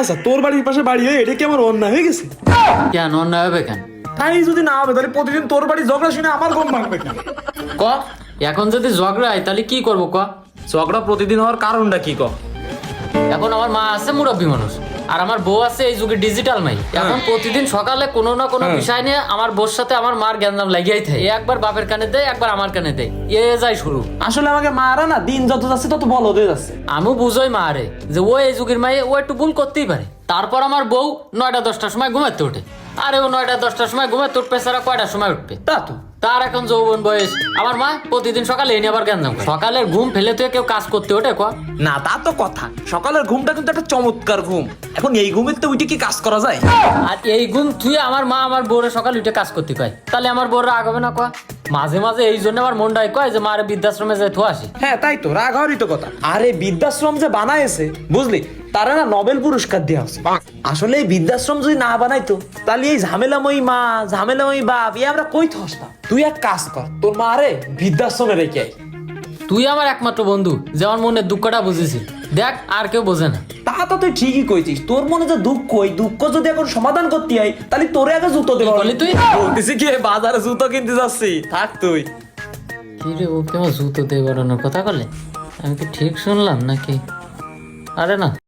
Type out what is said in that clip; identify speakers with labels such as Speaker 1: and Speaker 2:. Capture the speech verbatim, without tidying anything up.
Speaker 1: আচ্ছা তোর বাড়ির পাশে বাড়ি হয়ে এটা কি আমার অন্যায় হয়ে গেছে?
Speaker 2: কেন অন্যায় হবে কেন?
Speaker 1: তাই যদি না হবে তাহলে প্রতিদিন তোর বাড়ি ঝগড়া শুনে আমার ঘুম ভাঙবে কেন?
Speaker 2: ক এখন যদি ঝগড়া হয় তাহলে কি করবো ক?
Speaker 1: ঝগড়া প্রতিদিন হওয়ার কারণটা কি ক?
Speaker 2: এখন আমার মা আছে মুরব্বী মানুষ, আর আমার বউ আছে এই যুগে ডিজিটাল মাই। এখন প্রতিদিন সকালে কোনো না কোনো বিষয় নিয়ে আমার বউর সাথে আমার মার গ্যাঞ্জাম লাগিয়াই থাকে। এ একবার বাপের কানে দেয়, একবার আমার কানে দেয়, এ যায় শুরু।
Speaker 1: আসলে আমাকে মারা না দিন যত যাচ্ছে তত বল হয়ে যাচ্ছে।
Speaker 2: আমিও বুঝোই মা রে যে ও এই যুগের মায়ে ও একটু ভুল করতেই পারে। তারপর আমার বউ নয়টা দশটার সময় ঘুমাতে ওঠে, আরে ও নয়টা দশটার সময় ঘুমাতে উঠবে, সারা কয়টার সময় উঠবে
Speaker 1: তা তো
Speaker 2: তার এখন যৌবন বয়স। আমার মা প্রতিদিন সকালে এনে আবার গ্যাঞ্জাম করে। সকালের ঘুম ফেলে তুই কেউ কাজ করতে ওঠে ক?
Speaker 1: না, তা তো কথা। সকালের ঘুমটা কিন্তু একটা চমৎকার ঘুম। এখন এই ঘুমের তো উঠে কি কাজ করা যায়?
Speaker 2: আর এই গুণ তুই আমার মা আমার বউরে সকালে উঠে কাজ করতে কয়, তাহলে আমার বউরা আগাবে না কয়? মাঝে মাঝে এই জন্য আমার মনটাই কয় যে মারে বৃদ্ধাশ্রমে যাই থো আসি।
Speaker 1: হ্যাঁ তাই তো, রাগ হওয়ারই তো কথা। আরে বৃদ্ধাশ্রম যে বানাইছে বুঝলি, তারা না নোবেল পুরস্কার দেওয়া হচ্ছে। আসলে এই বৃদ্ধাশ্রম যদি না বানাইতো তাহলে এই ঝামেলাময়ী মা ঝামেলাময়ী বাপ এ আমরা কই থসতাম। তুই এক কাজ কর, তোর মা রে বৃদ্ধাশ্রমে রেখে আয়।
Speaker 2: তুই আমার একমাত্র বন্ধু যে আমার মনের দুঃখটা বুঝেছিস, দেখ আর কেউ বোঝে না।
Speaker 1: তা তো তুই ঠিকই কইছিস, তোর মনে যে দুঃখ, ওই দুঃখ যদি এখন সমাধান করতে হয় তাহলে তোরে আগে জুতো দেবো।
Speaker 2: কি বললি তুই?
Speaker 1: বলতেছি কি বাজারে জুতো কিনতে যাচ্ছি, থাক তুই।
Speaker 2: কি রে, ও কেমন জুতো দিয়ে বেরোনোর কথা বলে? আমি কি ঠিক শুনলাম নাকি? আরে না।